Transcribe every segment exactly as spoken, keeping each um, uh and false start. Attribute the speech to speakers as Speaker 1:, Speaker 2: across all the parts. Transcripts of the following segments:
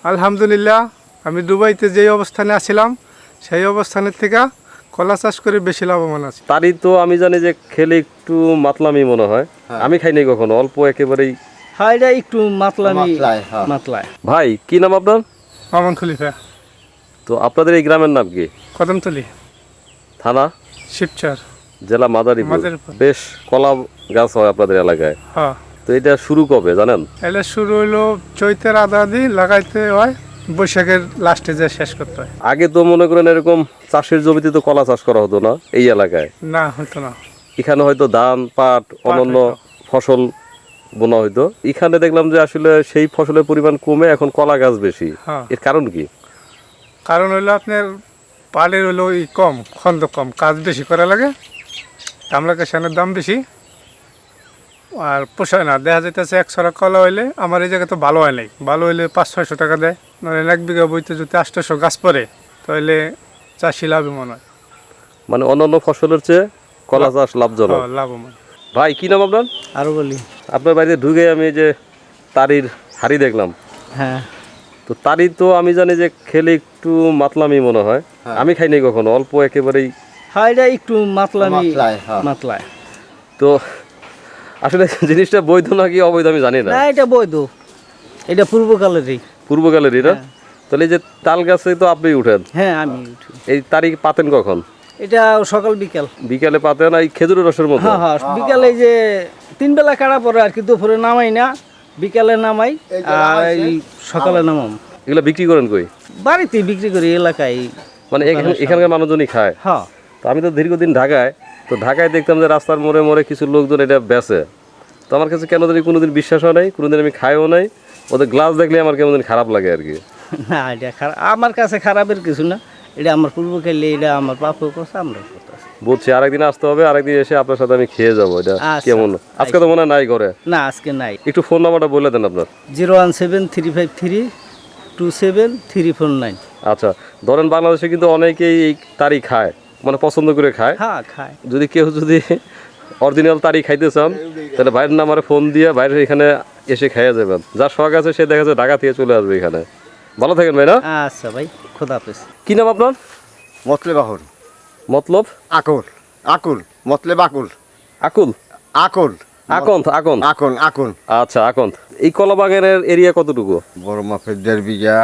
Speaker 1: আলহামদুলিল্লাহ, আমি দুবাইতে যেই অবস্থানে আছিলাম সেই অবস্থানের থেকে কলা চাষ করে বেশি লাভবান আছি।
Speaker 2: তারই তো আমি জানি যে খেলে একটু মাতলামি মনে হয়, আমি খাইনি কখনো, অল্প একেবারেই।
Speaker 3: হ্যাঁ, এটা একটু মাতলামি
Speaker 4: মাতলায়, হ্যাঁ।
Speaker 3: মাতলায়।
Speaker 2: ভাই কি নাম আপনার?
Speaker 1: মামুন খলিফা,
Speaker 2: তো আপনাদের এই গ্রামের নাম কি?
Speaker 1: কদমতলি,
Speaker 2: থানা
Speaker 1: শিবচর,
Speaker 2: জেলা মাদারীপুর।
Speaker 1: মাদারীপুর।
Speaker 2: বেশ কলা গাছ হয় আপনাদের এলাকায়,
Speaker 1: হ্যাঁ।
Speaker 2: তো এটা শুরু কবে জানেন?
Speaker 1: এটা শুরু হইলো চৈতের আধা আধি লাগাইতে হয়, বৈশাখের লাস্টে যে শেষ করতে হয়।
Speaker 2: আগে তো মনে করেন এরকম চাষের জমিতে তো কলা চাষ করা হতো না এই এলাকায়,
Speaker 1: না, হতো না।
Speaker 2: এখানে হয়তো ধান পাট অন্যান্য
Speaker 1: হইতো।
Speaker 2: ফসল বোনা হইতো। এখানে দেখলাম যে আসলে সেই ফসলের পরিমাণ কমে এখন কলা গাছ বেশি,
Speaker 1: হ্যাঁ।
Speaker 2: এর কারণ কি?
Speaker 1: কারণ হইলো আপনার পালের হইলো ই কম, খন্দ কম, কাজ বেশি করা লাগে, কামলা কাশানের দাম বেশি, আর পোষায় না। দেখা যাইতেছে এক ছড়া কলা হইলে আমার এই জায়গায় তো ভালো হয় নাই, ভালো হইলে পাঁচ ছয়শো টাকা দেয়, নইলে এক বিঘা বইতে যদি আটশোশো গাছ পড়ে তাহলে চাষি লাভবান হয়।
Speaker 2: মানে অন্যান্য ফসলের চেয়ে কলা চাষ লাভজনক।
Speaker 1: হ্যাঁ, লাভবান।
Speaker 2: ভাই কি নাম আপনার?
Speaker 3: আরো বলি।
Speaker 2: আপনার বাড়িতে ঢুকে আমি এই যে তারির হাড়ি দেখলাম,
Speaker 3: হ্যাঁ,
Speaker 2: তো তারি তো আমি জানি যে খেলে একটু মাতলামি মনে হয়, আমি খাইনি কখনো, অল্প একেবারেই।
Speaker 3: হ্যাঁ, এটা একটু মাতলামি
Speaker 4: মাতলায়, হ্যাঁ।
Speaker 3: মাতলায়।
Speaker 2: তো আসলে জিনিসটা বৈধ নাকি অবৈধ আমি জানি না।
Speaker 3: না, এটা বৈধ, এটা পূর্বকালেরই।
Speaker 2: পূর্বকালের এরা। তাহলে এই যে তাল গাছে তো আপনি উঠেন,
Speaker 3: হ্যাঁ, আমি উঠি।
Speaker 2: এই তারিখ পাতেন কখন?
Speaker 3: এটা সকাল বিকাল।
Speaker 2: বিকালে পাতেন এই খেজুরের রসের মতো?
Speaker 3: হ্যাঁ হ্যাঁ, বিকালে যে তিন বেলা কাটা পরে আর কি, দুপুরে নামাই না, বিকালে নামাই আর এই সকালে নামাম।
Speaker 2: এগুলো বিক্রি করেন কই?
Speaker 3: বাড়িতে বিক্রি করি, এলাকায়।
Speaker 2: মানে এখানে এখানকার মানুষজনই খায়?
Speaker 3: হ্যাঁ।
Speaker 2: তো আমি তো দীর্ঘদিন ঢাকায়, তো ঢাকায় দেখতাম যে রাস্তার মোড়ে মোড়ে কিছু লোকজন এটা বেচে, তো আমার কাছে কেন জানি কোনোদিন বিশ্বাস হয় নাই, কোনোদিন আমি খাইও নাই, ওদের গ্লাস দেখলে আমার কেমন দিন খারাপ লাগে আর কি।
Speaker 3: না, এটা খারাপ আমার কাছে, খারাপের কিছু না, এটা আমার পূর্বকালে, এটা আমার বাপও করছে, আমরা করতেছি।
Speaker 2: বুঝছি, আরেকদিন আসতে হবে, আরেকদিন এসে আপনার সাথে আমি খেয়ে যাবো। এটা
Speaker 3: আচ্ছা,
Speaker 2: কেমন? আজকে তো মনে হয় নাই করে।
Speaker 3: না, আজকে নাই।
Speaker 2: একটু ফোন নাম্বারটা বলে দেন আপনার।
Speaker 3: Zero one seven three five three two seven three four nine.
Speaker 2: আচ্ছা, ধরেন বাংলাদেশে কিন্তু অনেকেই এই তারি খায়, মানে পছন্দ করে খায়।
Speaker 3: হ্যাঁ, খায়।
Speaker 2: যদি কেউ যদি অরিজিনাল তারি খাইতে চান তাহলে ভাইয়ের নাম্বারে ফোন দিয়ে বাইরে এখানে এসে খাইয়া যাবেন। যার শখ আছে সে দেখা যাচ্ছে ঢাকা থেকে চলে আসবে এখানে। ভালো থাকেন ভাই না?
Speaker 3: আচ্ছা ভাই, খোদা হাফেজ।
Speaker 2: কি নাম আপনার?
Speaker 4: মতলেব আকুল।
Speaker 2: মতলব?
Speaker 4: আকুল আকুল মতলেব আকুল
Speaker 2: আকুল?
Speaker 4: আকুল
Speaker 2: আকন্ত? আকন্ত?
Speaker 4: আকুল আকুল।
Speaker 2: আচ্ছা, আকন্ত। এই কলা বাগানের এরিয়া কতটুকু?
Speaker 4: বড় মাপের দেড় বিঘা,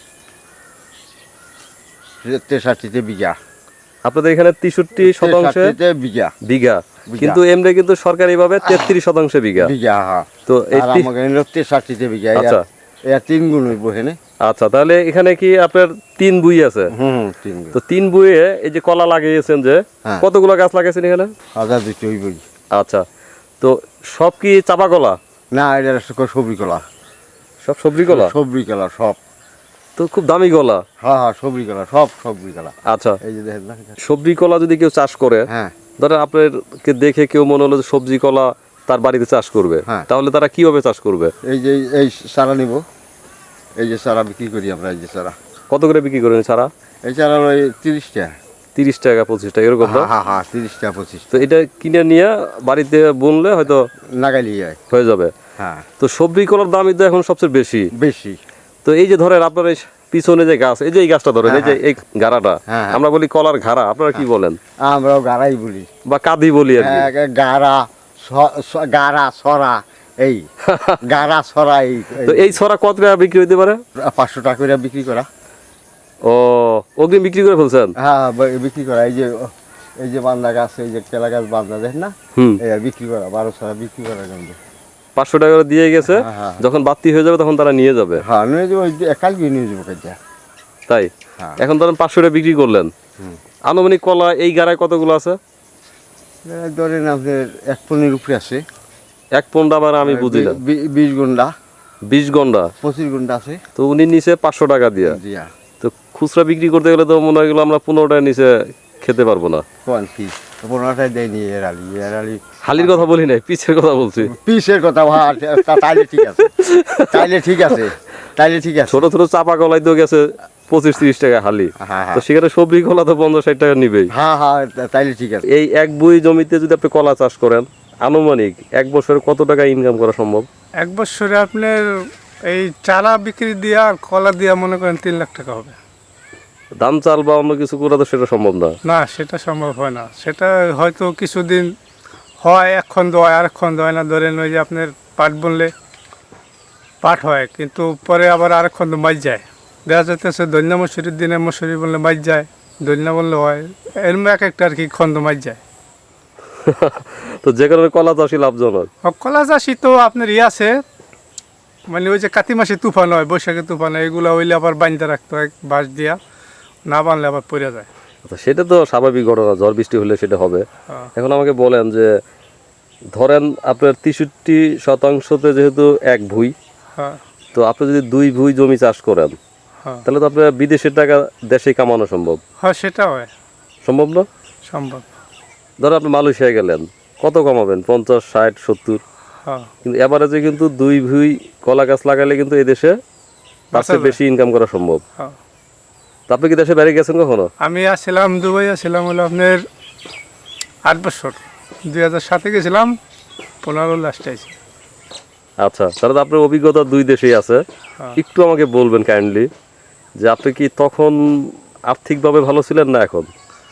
Speaker 4: তেষট্টিতে বিঘা।
Speaker 2: আপনাদের এখানে তেষট্টি শতাংশে
Speaker 4: তেষট্টিতে বিঘা
Speaker 2: বিঘা,
Speaker 4: বিঘা।
Speaker 2: কিন্তু এমনি কিন্তু সরকারি ভাবে তেত্রিশ শতাংশে বিঘা।
Speaker 4: বিঘা, হ্যাঁ।
Speaker 2: তো এই
Speaker 4: আর
Speaker 2: তি-
Speaker 4: আমাকে হলো তেষট্টিতে বিঘা।
Speaker 2: আচ্ছা।
Speaker 4: এর তিন গুণ হইব এখানে।
Speaker 2: আচ্ছা, তাহলে এখানে কি আপনার তিন বুই আছে?
Speaker 4: হুম হুম, তিন গুণ।
Speaker 2: তো তিন বুয়ে এই যে কলা লাগিয়েছেন যে,
Speaker 4: হ্যাঁ।
Speaker 2: কতগুলো গাছ লাগাইছেন এখানে?
Speaker 4: হাজার দুটো হইবই।
Speaker 2: আচ্ছা, তো সব কি চাপা কলা?
Speaker 4: না, এটা সবজি কলা।
Speaker 2: সব সবজি কলা?
Speaker 4: সবজি কলা সব।
Speaker 2: তো খুব দামি কলা।
Speaker 4: হ্যাঁ হ্যাঁ, সবজি কলা সব, সবজি কলা।
Speaker 2: আচ্ছা,
Speaker 4: এই যে দেখেন না।
Speaker 2: সবজি কলা যদি কেউ চাষ করে,
Speaker 4: হ্যাঁ।
Speaker 2: ধরেন আপনাকে দেখে কেউ মনে হলো যে সবজি কলা তার বাড়িতে চাষ করবে,
Speaker 4: হ্যাঁ।
Speaker 2: তাহলে তারা কিভাবে চাষ করবে?
Speaker 4: এই যে এই চারা নিব, এই যে চারা বিক্রি করি আমরা, এই যে চারা।
Speaker 2: কত করে বিক্রি করেন ছাড়া?
Speaker 4: এই চারা ওই তিরিশ টাকা।
Speaker 2: তিরিশ টাকা পঁচিশ টাকা এরকম না?
Speaker 4: হ্যাঁ হ্যাঁ হ্যাঁ, তিরিশ টাকা পঁচিশ।
Speaker 2: তো এটা কিনে নিয়ে বাড়িতে বুনলে হয়তো
Speaker 4: নাগালি যায়।
Speaker 2: হয়ে যাবে।
Speaker 4: হ্যাঁ,
Speaker 2: তো সবজি কলার দামই তো এখন সবচেয়ে বেশি।
Speaker 4: বেশি।
Speaker 2: তো এই যে ধরেন আপনার এই পিছনে যে গাছ, এই যে এই গাছটা ধরেন, এই যে এই গাড়াটা,
Speaker 4: হ্যাঁ, হ্যাঁ।
Speaker 2: আমরা বলি কলার ঘাড়া, আপনারা কি বলেন?
Speaker 4: আমরাও গাড়াই বলি,
Speaker 2: বা কাঁদি বলি আর কি।
Speaker 4: হ্যাঁ, গাড়া স- স- গাড়া ছড়া, এই গাড়া ছড়া, এই
Speaker 2: তো এই ছড়া কত টাকা বিক্রি হইতে পারে?
Speaker 4: পাঁচশো টাকা করে বিক্রি করা।
Speaker 2: ও, অগ্রিম বিক্রি করে ফেলছেন?
Speaker 4: হ্যাঁ, ব- বিক্রি করা। এই যে এই যে বান্দা গাছ, এই যে কেলা গাছ বান্দা দেখেন না,
Speaker 2: হুম,
Speaker 4: এই আর বিক্রি করা, বারো ছড়া বিক্রি করা কিন্তু।
Speaker 2: পাঁচশো টাকা করে দিয়ে গেছে,
Speaker 4: হ্যাঁ, হ্যাঁ।
Speaker 2: যখন বাড়তি হয়ে যাবে তখন তারা নিয়ে যাবে।
Speaker 4: হ্যাঁ, নিয়ে যাবো, ওই যে কালকে নিয়ে যাবো কাজে।
Speaker 2: তাই
Speaker 4: হ্যাঁ।
Speaker 2: এখন ধরেন পাঁচশো টাকা বিক্রি করলেন,
Speaker 4: হুম।
Speaker 2: আনুমানিক কলা এই গাড়ায় কতগুলো আছে?
Speaker 4: এই ধরেন আপনার এক পনের উপরে আছে।
Speaker 2: এক পন্ডা আবার আমি বুঝি না।
Speaker 4: বি- বিশ গুন্ডা,
Speaker 2: বিশ গন্ডা।
Speaker 4: পঁচিশ গুন্ডা আছে।
Speaker 2: তো উনি নিচে পাঁচশো টাকা দিয়ে,
Speaker 4: জিয়া
Speaker 2: তো খুচরা বিক্রি করতে গেলে তো মনে হয় গেলো আমরা পনেরো টাকা নিচে খেতে পারবো না।
Speaker 4: কোন পিস পনেরোটাই দেয়নি এর আলি, এর আলি
Speaker 2: হালির কথা বলি নাই, পিছের কথা বলছি।
Speaker 4: পিসের কথা ভাই, তা- তাইলে ঠিক আছে, তাইলে ঠিক আছে, তাইলে ঠিক আছে।
Speaker 2: ছোট ছোট চাপা কলাই তো গেছে পঁচিশ তিরিশ টাকা হালি,
Speaker 4: হ্যাঁ,
Speaker 2: তো
Speaker 4: হ্যাঁ।
Speaker 2: সেখানে সবজি কলা তো পঞ্চাশ ষাট টাকা নিবেই।
Speaker 4: হ্যাঁ হ্যাঁ, তা- তাইলে ঠিক আছে।
Speaker 2: এই এক বুই জমিতে যদি আপনি কলা চাষ করেন, আনুমানিক এক বছরে কত টাকা ইনকাম করা সম্ভব?
Speaker 1: এক বছরে আপনার এই চারা বিক্রি দিয়া আর কলা দিয়া মনে করেন তিন লাখ টাকা হবে।
Speaker 2: ধান চাল বা অন্য কিছু করা তো সেটা সম্ভব না।
Speaker 1: না, সেটা সম্ভব হয় না। সেটা হয়তো কিছুদিন হয়, এক খন্ড হয়, আরেক খন্ড হয় না। ধরেন ওই যে আপনার পাট বুনলে পাট হয়, কিন্তু পরে আবার আরেক খন্ড মাছ যায়। দেখা যাইতেছে দৈন্য মশুরির দিনে মশুরি বললে মাছ যায়, দৈন্য বললে হয়, এরম এক একটা আর কি খন্ড মাছ যায়।
Speaker 2: তো যে কারণে কলা চাষই লাভজনক।
Speaker 1: আর কলা চাষি তো আপনার ইয়ে আছে, মানে ওই যে কাতি মাসে তুফান হয়, বৈশাখে তুফান হয়, এগুলো হইলে আবার বাঁধতে রাখতে হয় বাঁশ দিয়া, না বানলে আবার পড়ে যায়।
Speaker 2: আচ্ছা, সেটা তো স্বাভাবিক ঘটনা, ঝড় বৃষ্টি হলে সেটা হবে।
Speaker 1: হ্যাঁ।
Speaker 2: এখন আমাকে বলেন যে ধরেন আপনার তেষট্টি শতাংশতে যেহেতু এক ভুঁই,
Speaker 1: হ্যাঁ,
Speaker 2: তো আপনি যদি দুই ভুঁই জমি চাষ করেন
Speaker 1: হ্যাঁ,
Speaker 2: তাহলে তো আপনার বিদেশের টাকা দেশে কামানো সম্ভব।
Speaker 1: হ্যাঁ, সেটা হয়,
Speaker 2: সম্ভব না?
Speaker 1: সম্ভব।
Speaker 2: ধরো আপনি মালয়েশিয়ায় গেলেন, কত কামাবেন? পঞ্চাশ, ষাট, সত্তর।
Speaker 1: হ্যাঁ,
Speaker 2: কিন্তু এভারেজে কিন্তু দুই ভুঁই কলা গাছ লাগালে কিন্তু এই দেশে তার চেয়ে
Speaker 1: বাঁচা
Speaker 2: বেশি ইনকাম করা সম্ভব।
Speaker 1: হ্যাঁ।
Speaker 2: তো আপনি কি দেশে বেড়ে গেছেন কখনো?
Speaker 1: আমি আসছিলাম দুবাই, আসছিলাম হলো আপনার আট বছর, দুই হাজার সাতে গেছিলাম, পনেরো লাস্টে আইছি।
Speaker 2: আচ্ছা, তাহলে তো আপনার অভিজ্ঞতা দুই দেশেই আছে।
Speaker 1: হ্যাঁ।
Speaker 2: একটু আমাকে বলবেন কাইন্ডলি যে আপনি কি তখন আর্থিকভাবে ভালো ছিলেন না এখন?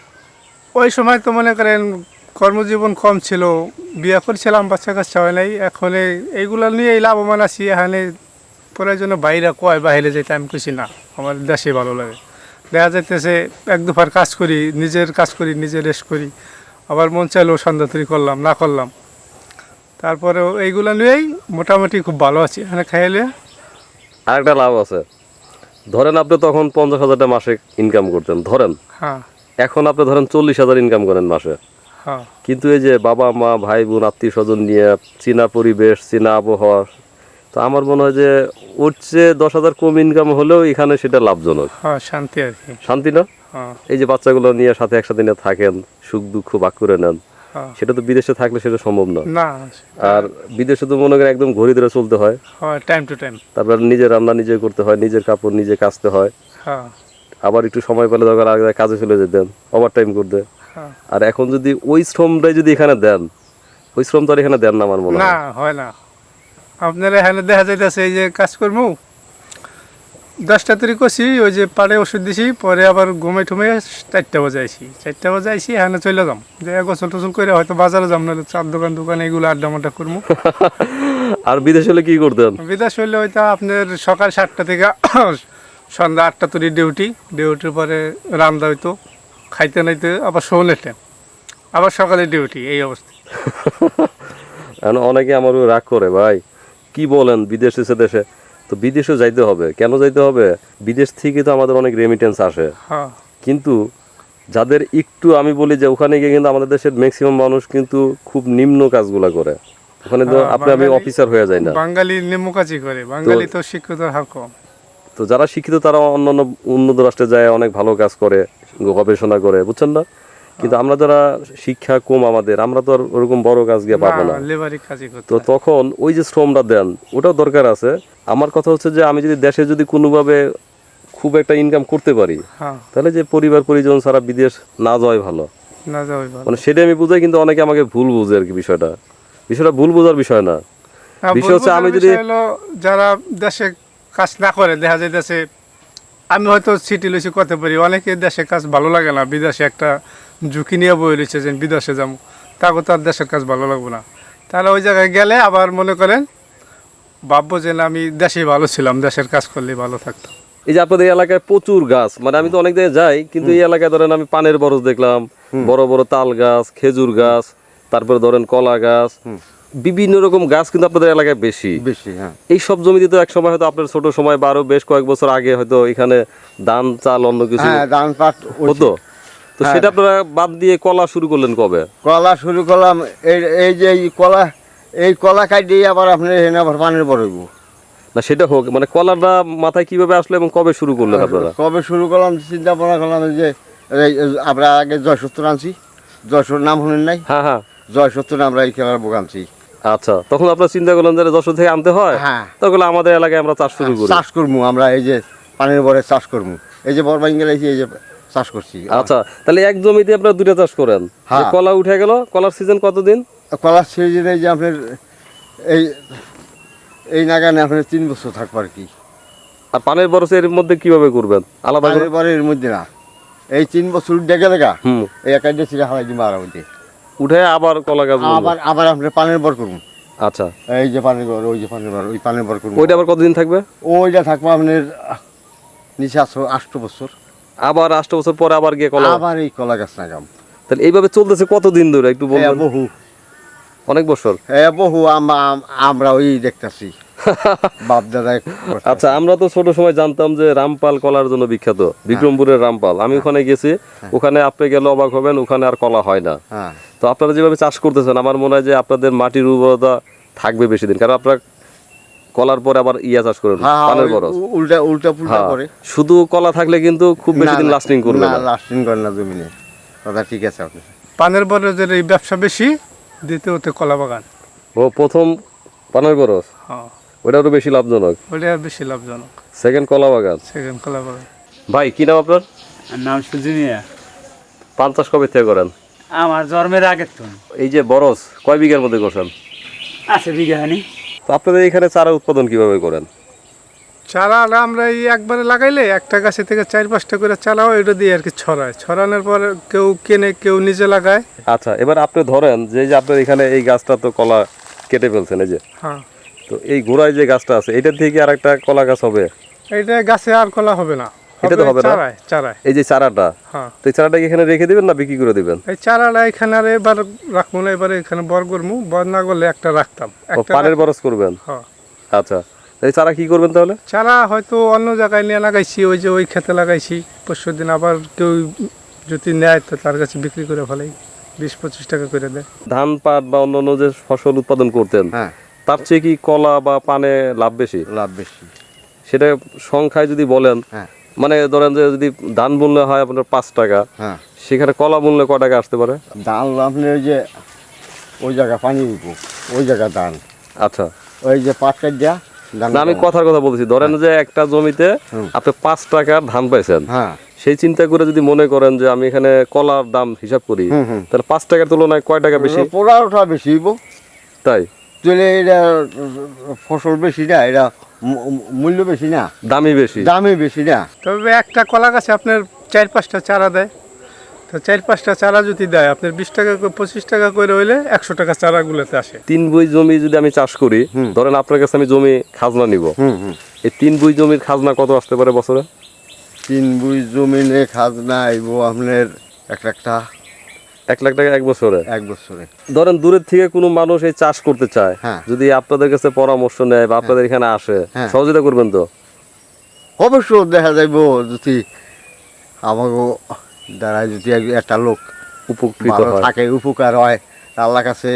Speaker 1: ওই সময় তো মনে করেন কর্মজীবন কম ছিল, বিয়ে করছিলাম, বাচ্চা কাচ্চা হয় নাই। এখন এই- এইগুলো নিয়েই লাভবান আছি। এখানে প্রয়োজনে বাইরে কয় বাইরে যেতে আমি খুশি না, আমার দেশে ভালো লাগে। দেখা যাইতেছে এক দুবার কাজ করি, নিজের কাজ করি, নিজে রেস্ট করি, আবার মন চাইলেও সন্ধ্যা তৈরি করলাম, না করলাম। তারপরেও এইগুলো নিয়েই মোটামুটি খুব ভালো আছি এখানে খাইলে।
Speaker 2: আরেকটা লাভ আছে, ধরেন আপনি তখন পঞ্চাশ হাজারটা মাসে ইনকাম করতেন, ধরেন
Speaker 1: হ্যাঁ,
Speaker 2: এখন আপনি ধরেন চল্লিশ হাজার ইনকাম করেন মাসে।
Speaker 1: হ্যাঁ,
Speaker 2: কিন্তু এই যে বাবা মা ভাই বোন আত্মীয় স্বজন নিয়ে চীনা পরিবেশ, চীনা আবহাওয়া, তো আমার মনে হয় যে ওর চেয়ে দশ হাজার কম ইনকাম হলেও এখানে সেটা লাভজনক।
Speaker 1: হ্যাঁ, শান্তি আর কি।
Speaker 2: শান্তি না?
Speaker 1: হ্যাঁ,
Speaker 2: এই যে বাচ্চাগুলো নিয়ে সাথে একসাথে নিয়ে থাকেন, সুখ দুঃখ ভাগ করে নেন,
Speaker 1: হ্যাঁ।
Speaker 2: সেটা তো বিদেশে থাকলে সেটা সম্ভব না।
Speaker 1: না,
Speaker 2: আর বিদেশে তো মনে করেন একদম ঘড়ি ধরে চলতে হয়,
Speaker 1: হয় টাইম টু টাইম।
Speaker 2: তারপর নিজের রান্না নিজে করতে হয়, নিজের কাপড় নিজে কাচতে হয়,
Speaker 1: হ্যাঁ,
Speaker 2: আবার একটু সময় পেলে দরকার আগে কাজে চলে যেতেন ওভার টাইম করতে।
Speaker 1: হ্যাঁ।
Speaker 2: আর এখন যদি ওই শ্রমটাই যদি এখানে দেন, ওই শ্রম তো আর এখানে দেন না আমার মনে
Speaker 1: না,
Speaker 2: হয়।
Speaker 1: হয় না। আপনার এখানে দেখা যাইতেছে এই যে কাজকর্ম দশটা তৈরি করছি, ওই যে পাড়ে ওষুধ দিছি, পরে আবার ঘুমে ঠুমে চারটা বাজে আইসি, চারটা বাজে আইসি এখানে চলে যাম, যে গোসল টোসল করে হয়তো বাজারে যাম, নাহলে চার দোকান দোকান এগুলো আড্ডা মাড্ডা করবো।
Speaker 2: আর বিদেশে হলে কি করতেন?
Speaker 1: বিদেশ হইলে হয়তো আপনার সকাল সাতটা থেকে সন্ধ্যা আটটা তৈরি ডিউটি, ডিউটির পরে রান্না হইতো, খাইতে নাইতে আবার শোনে টাইম, আবার সকালে ডিউটি, এই অবস্থা।
Speaker 2: এখন অনেকে আমার উপর রাগ করে, ভাই কি বলেন বিদেশে সে দেশে, তো বিদেশে যাইতে হবে। কেন যাইতে হবে? বিদেশ থেকে তো আমাদের অনেক রেমিটেন্স আসে,
Speaker 1: হ্যাঁ,
Speaker 2: কিন্তু যাদের একটু, আমি বলি যে ওখানে গিয়ে কিন্তু আমাদের দেশের ম্যাক্সিমাম মানুষ কিন্তু খুব নিম্ন কাজগুলা করে। ওখানে তো
Speaker 1: হ্যাঁ,
Speaker 2: আপনি আমি
Speaker 1: বাঙালি-
Speaker 2: অফিসার হয়ে যায় না।
Speaker 1: বাঙালি নিম্ন কাজই করে, বাঙালি তো শিক্ষিত হার কম।
Speaker 2: তো যারা শিক্ষিত তারা অন্যান্য উন্নত রাষ্ট্রে যায় অনেক ভালো কাজ করে, গবেষণা করে, বুঝছেন না? কিন্তু আমরা যারা শিক্ষা কম আমাদের, আমরা তো আর ওরকম বড় কাজ গিয়ে পাবো না।
Speaker 1: লেবারি কাজই করতে
Speaker 2: তো
Speaker 1: হয়।
Speaker 2: তখন ওই যে শ্রমটা দেন ওটাও দরকার আছে। আমার কথা হচ্ছে যে আমি যদি দেশে যদি কোনোভাবে খুব একটা ইনকাম করতে পারি,
Speaker 1: হ্যাঁ,
Speaker 2: তাহলে যে পরিবার পরিজন ছাড়া বিদেশ না যাওয়াই ভালো।
Speaker 1: না যাওয়াই ভালো।
Speaker 2: মানে সেটা আমি বুঝাই, কিন্তু অনেকে আমাকে ভুল বুঝে আর কি। বিষয়টা বিষয়টা ভুল বোঝার বিষয় না।
Speaker 1: হ্যাঁ,
Speaker 2: বিষয় হচ্ছে
Speaker 1: বলবো
Speaker 2: আমি
Speaker 1: যে
Speaker 2: যদি-
Speaker 1: বিষয় হলো, যারা দেশে কাজ না করে, দেখা যাইতেছে আমি হয়তো সিটি লইছি করতে পারি, অনেকে দেশে কাজ ভালো লাগে না, বিদেশে একটা ঝুঁকি নিয়ে বই রয়েছে যে বিদেশে যাবো, তাকে তো আর দেশের কাজ ভালো লাগবে না। তাহলে ওই জায়গায় গেলে আবার মনে করেন ভাববো যে না, আমি দেশেই ভালো ছিলাম, দেশের কাজ করলেই ভালো থাকতাম।
Speaker 2: এই যে আপনাদের এই এলাকায় প্রচুর গাছ, মানে আমি তো অনেক জায়গায় যাই, কিন্তু এই এলাকায় ধরেন আমি পানের বরজ দেখলাম, বড় বড় তাল গাছ, খেজুর গাছ, তারপরে ধরেন কলা গাছ, বিভিন্ন রকম গাছ কিন্তু আপনাদের এলাকায় বেশি।
Speaker 4: বেশি, হ্যাঁ।
Speaker 2: এই সব জমিতে তো এক সময় হয়তো আপনার ছোট সময় বা আরো বেশ কয়েক বছর আগে হয়তো এখানে ধান চাল অন্য কিছু
Speaker 4: হ্যাঁ, ধান পাট
Speaker 2: হতো। তো
Speaker 4: হ্যাঁ।
Speaker 2: সেটা আপনারা বাদ দিয়ে কলা শুরু করলেন কবে?
Speaker 4: কলা শুরু করলাম। এই এই যে এই কলা, এই কলা কাটিয়ে আবার আপনি এখানে আবার পানের বড়ইব।
Speaker 2: না সেটা হোক, মানে কলাটা মাথায় কিভাবে আসলো এবং কবে শুরু করলেন আপনারা?
Speaker 4: কবে শুরু করলাম চিন্তা ভাবনা করলাম যে এই আমরা আগে জয়সত্তর আনছি, জয়সত্তর নাম শুনেন নাই?
Speaker 2: হ্যাঁ হ্যাঁ,
Speaker 4: জয়সত্তর আমরা এই খেলার বুক আনছি।
Speaker 2: আচ্ছা, তখন আপনারা চিন্তা করলেন যে যশোর থেকে আনতে হয়,
Speaker 4: হ্যাঁ,
Speaker 2: তখন আমাদের এলাকায় আমরা চাষ শুরু করি।
Speaker 4: চাষ করবো আমরা, এই যে পানের বরে চাষ করবো, এই যে বড় বাঙ্গেল এই যে চাষ করছি।
Speaker 2: আচ্ছা, তাহলে এক জমিতে আপনারা দুটা চাষ করেন।
Speaker 4: হ্যাঁ।
Speaker 2: যে কলা উঠে গেল, কলার সিজন কতদিন?
Speaker 4: কলার সিজনে যে আপনার এই এই নাগানে আপনার তিন বছর থাকবো আর কি।
Speaker 2: আর পানের বরস এর মধ্যে কিভাবে করবেন আলাদা করে?
Speaker 4: পানের পরে এর মধ্যে না, এই তিন বছর ডেকে দেখা
Speaker 2: হুম
Speaker 4: এই একটা ছিঁড়ে হারাই দিব আর মধ্যে
Speaker 2: উঠে আবার কলা গাছ বুনবো।
Speaker 4: আবার আবার আপনার পানের বর করুন।
Speaker 2: আচ্ছা
Speaker 4: এই যে পানের বর, ওই যে পানের বর, ওই পানের বর করুন।
Speaker 2: ওইটা আবার কতদিন থাকবে?
Speaker 4: ওইটা থাকবো আপনার নিচে আসো আষ্ট বছর,
Speaker 2: আবার আষ্ট বছর পরে আবার গিয়ে কলা।
Speaker 4: আবার এই কলা গাছ লাগাম।
Speaker 2: তাহলে এইভাবে চলতেছে কতদিন ধরে একটু
Speaker 4: এ
Speaker 2: বলবেন?
Speaker 4: বহু
Speaker 2: অনেক বছর।
Speaker 4: এ বহু আম- আমরা ওই দেখতেছি বাপ দাদা।
Speaker 2: আচ্ছা আমরা তো ছোট সময় জানতাম যে রামপাল কলার জন্য বিখ্যাত, বিক্রমপুরের রামপাল। আমি ওখানে গেছি, ওখানে আপনি গেলে অবাক হবেন, ওখানে আর কলা হয় না।
Speaker 4: হ্যাঁ
Speaker 2: তো আপনারা যেভাবে চাষ করতেছেন আমার মনে হয় যে আপনাদের মাটির উর্বরতা থাকবে বেশি দিন, কারণ আপনারা কলার পরে আবার ইয়া চাষ করেন
Speaker 4: হ্যাঁ,
Speaker 2: পানের
Speaker 4: ওই
Speaker 2: বরজ।
Speaker 4: উ- উল্টা উল্টা পুল্টা
Speaker 2: হ্যাঁ,
Speaker 4: করে।
Speaker 2: শুধু কলা থাকলে কিন্তু খুব বেশি দিন লাস্টিং করবে
Speaker 4: না,
Speaker 2: না।
Speaker 4: লাস্টিং করে না জমিনে। কথা ঠিক আছে আপনি।
Speaker 1: পানের বরজের এই ব্যবসা বেশি, দ্বিতীয়ত কলা বাগান।
Speaker 2: ও প্রথম পানের বরজ,
Speaker 1: হ্যাঁ,
Speaker 2: ওটা আরো বেশি লাভজনক।
Speaker 1: ওটা বেশি লাভজনক।
Speaker 2: সেকেন্ড কলা বাগান।
Speaker 1: সেকেন্ড কলা বাগান।
Speaker 2: ভাই কি নাম আপনার?
Speaker 5: নাম সুজি মিয়া।
Speaker 2: পান চাষ কবে থেকে করেন?
Speaker 5: আমার জন্মের আগের তো
Speaker 2: এই যে বরজ কয় বিঘার মধ্যে করছেন?
Speaker 5: আছে বিঘানি।
Speaker 2: তো আপনাদের এখানে চারা উৎপাদন কিভাবে করেন?
Speaker 1: চারাটা আমরা এই একবারে লাগাইলে একটা গাছে থেকে চার পাঁচটা করে চারা হয়, ওইটা দিয়ে আর কি ছড়ায়। ছড়ানোর পর কেউ কেনে, কেউ নিজে লাগায়।
Speaker 2: আচ্ছা এবার আপনি ধরেন যে এই যে আপনার এখানে এই গাছটা তো কলা কেটে ফেলছেন এই যে,
Speaker 1: হ্যাঁ,
Speaker 2: তো এই গোড়ায় যে গাছটা আছে এটার থেকে আর একটা কলা গাছ হবে?
Speaker 1: এইটা গাছে আর কলা হবে না,
Speaker 2: এটা তো হবে না?
Speaker 1: চারায় চারায়।
Speaker 2: এই যে চারাটা,
Speaker 1: হ্যাঁ,
Speaker 2: তো এই চারাটা কি এখানে রেখে দিবেন না বিক্রি করে দিবেন?
Speaker 1: এই চারাটা এখানে আর এবার রাখবো না, এবারে এখানে বর করবো। বর না করলে একটা রাখতাম,
Speaker 2: ও
Speaker 1: একটা
Speaker 2: পানের
Speaker 1: রাখ-
Speaker 2: বরজ করবেন?
Speaker 1: হ্যাঁ।
Speaker 2: আচ্ছা এই চারা কি করবেন তাহলে?
Speaker 1: চারা হয়তো অন্য জায়গায় নিয়ে লাগাইছি, ওই যে ওই খেতে লাগাইছি। পরশু দিন আবার কেউ যদি নেয় তো তার কাছে বিক্রি করে ফেলাই, বিশ পঁচিশ টাকা করে দেয়।
Speaker 2: ধান পাট বা অন্যান্য যে ফসল উৎপাদন করতেন
Speaker 4: হ্যাঁ,
Speaker 2: তার চেয়ে কি কলা বা পানে লাভ বেশি?
Speaker 4: লাভ বেশি।
Speaker 2: সেটা সংখ্যায় যদি বলেন,
Speaker 4: হ্যাঁ
Speaker 2: মানে ধরেন যে যদি ধান মূল্য হয় আপনার পাঁচ টাকা,
Speaker 4: হ্যাঁ,
Speaker 2: সেখানে কলা মূল্য ক টাকা আসতে পারে?
Speaker 4: ধান আপনি ওই যে ওই জায়গা পানি দিব, ওই জায়গা ধান,
Speaker 2: আচ্ছা
Speaker 4: ওই যে পাট কাট দিয়া ধান।
Speaker 2: না আমি কথার কথা বলছি, ধরেন যে একটা জমিতে আপনি পাঁচ টাকার ধান পাইছেন,
Speaker 4: হ্যাঁ,
Speaker 2: সেই চিন্তা করে যদি মনে করেন যে আমি এখানে কলার দাম হিসাব করি,
Speaker 4: হুম, হুম।
Speaker 2: তাহলে পাঁচ টাকার তুলনায় কয় টাকা বেশি?
Speaker 4: পোড়াটা বেশি হইব।
Speaker 2: তাই
Speaker 4: তাহলে এটা ফসল বেশি না, এটা মূ- মূল্য বেশি না,
Speaker 2: দামই বেশি।
Speaker 4: দামই বেশি না।
Speaker 1: তবে একটা কলা গাছে আপনার চার পাঁচটা চারা দেয়, তো চার পাঁচটা চারা যদি দেয় আপনার বিশ টাকা করে পঁচিশ টাকা করে হইলে একশো টাকা চারাগুলোতে আসে।
Speaker 2: তিন বই জমি যদি আমি চাষ করি, ধরেন আপনার কাছে আমি জমি খাজনা নিব,
Speaker 4: হুম হুম।
Speaker 2: এই তিন বই জমির খাজনা কত আসতে পারে বছরে?
Speaker 4: তিন বুই জমিনে খাজনা আইব আপনার এক লাখটা
Speaker 2: এক লাখ টাকা এক বছরে।
Speaker 4: এক বছরে।
Speaker 2: ধরেন দূরের থেকে কোনো মানুষ এই চাষ করতে চায়,
Speaker 4: হ্যাঁ।
Speaker 2: যদি আপনাদের কাছে পরামর্শ নেয় বা আপনাদের এখানে আসে,
Speaker 4: হ্যাঁ।
Speaker 2: সহযোগিতা করবেন তো?
Speaker 4: অবশ্য দেখা যাইব যদি আমাকে দ্বারা যদি এক- একটা লোক
Speaker 2: উপকৃত
Speaker 4: ভালো
Speaker 2: হয়।
Speaker 4: থাকে, উপকার হয়, আল্লাহ কাছে।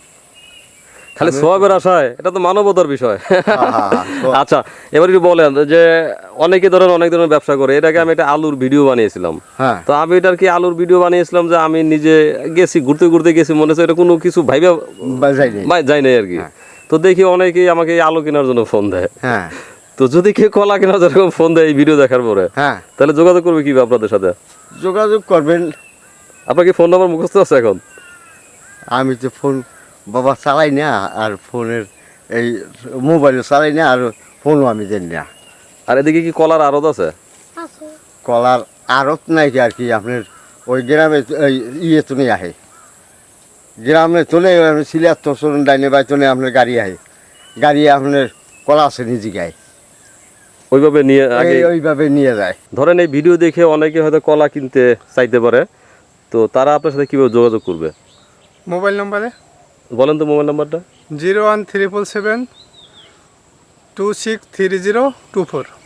Speaker 2: খালি সওয়াবের আশায়, এটা তো মানবতার বিষয়।
Speaker 4: হ্যাঁ, হ্যাঁ, হ্যাঁ।
Speaker 2: আচ্ছা এবার একটু বলেন যে অনেকে ধরেন অনেক ধরনের ব্যবসা করে, এটাকে আমি একটা আলুর ভিডিও বানিয়েছিলাম,
Speaker 4: হ্যাঁ,
Speaker 2: তো আমি এটার কি আলুর ভিডিও বানিয়েছিলাম যে আমি নিজে গেছি ঘুরতে ঘুরতে গেছি, মনে হচ্ছে এটা কোনো কিছু ভাইবা
Speaker 4: বাজাইনি।
Speaker 2: মা- যাই নাই আর কি। তো দেখি অনেকেই আমাকে এই আলু কেনার জন্য ফোন দেয়,
Speaker 4: হ্যাঁ,
Speaker 2: তো যদি কেউ কলা কেনার জন্য ফোন দেয় এই ভিডিও দেখার পরে,
Speaker 4: হ্যাঁ,
Speaker 2: তাহলে যোগাযোগ করবে কিভাবে আপনাদের সাথে?
Speaker 4: যোগাযোগ করবেন।
Speaker 2: আপনার কি ফোন নাম্বার মুখস্থ আছে এখন?
Speaker 4: আমি তো ফোন বাবা চালাই না, আর ফোনের এই মোবাইলও চালাই না, আর ফোনও আমি জানি না।
Speaker 2: আর এদিকে কি কলার আড়ত আছে?
Speaker 4: কলার আড়ত নাই কি আর কি, আপনার ওই গ্রামে এই ইয়ে তুলে আহে, গ্রামে তোলে সিলিয়ার তোষণ ডাইনে বাই তোলে আপনার গাড়ি আহে, গাড়ি আপনার কলা আছে নিজে গায়ে,
Speaker 2: ওইভাবে নিয়ে আগে
Speaker 4: এই ওইভাবে নিয়ে যায়।
Speaker 2: ধরেন এই ভিডিও দেখে অনেকে হয়তো কলা কিনতে চাইতে পারে, তো তারা আপনার সাথে কিভাবে যোগাযোগ করবে?
Speaker 1: মোবাইল নম্বরে
Speaker 2: বলেন তো মোবাইল নাম্বারটা।
Speaker 1: Zero one triple seven two six three zero two four.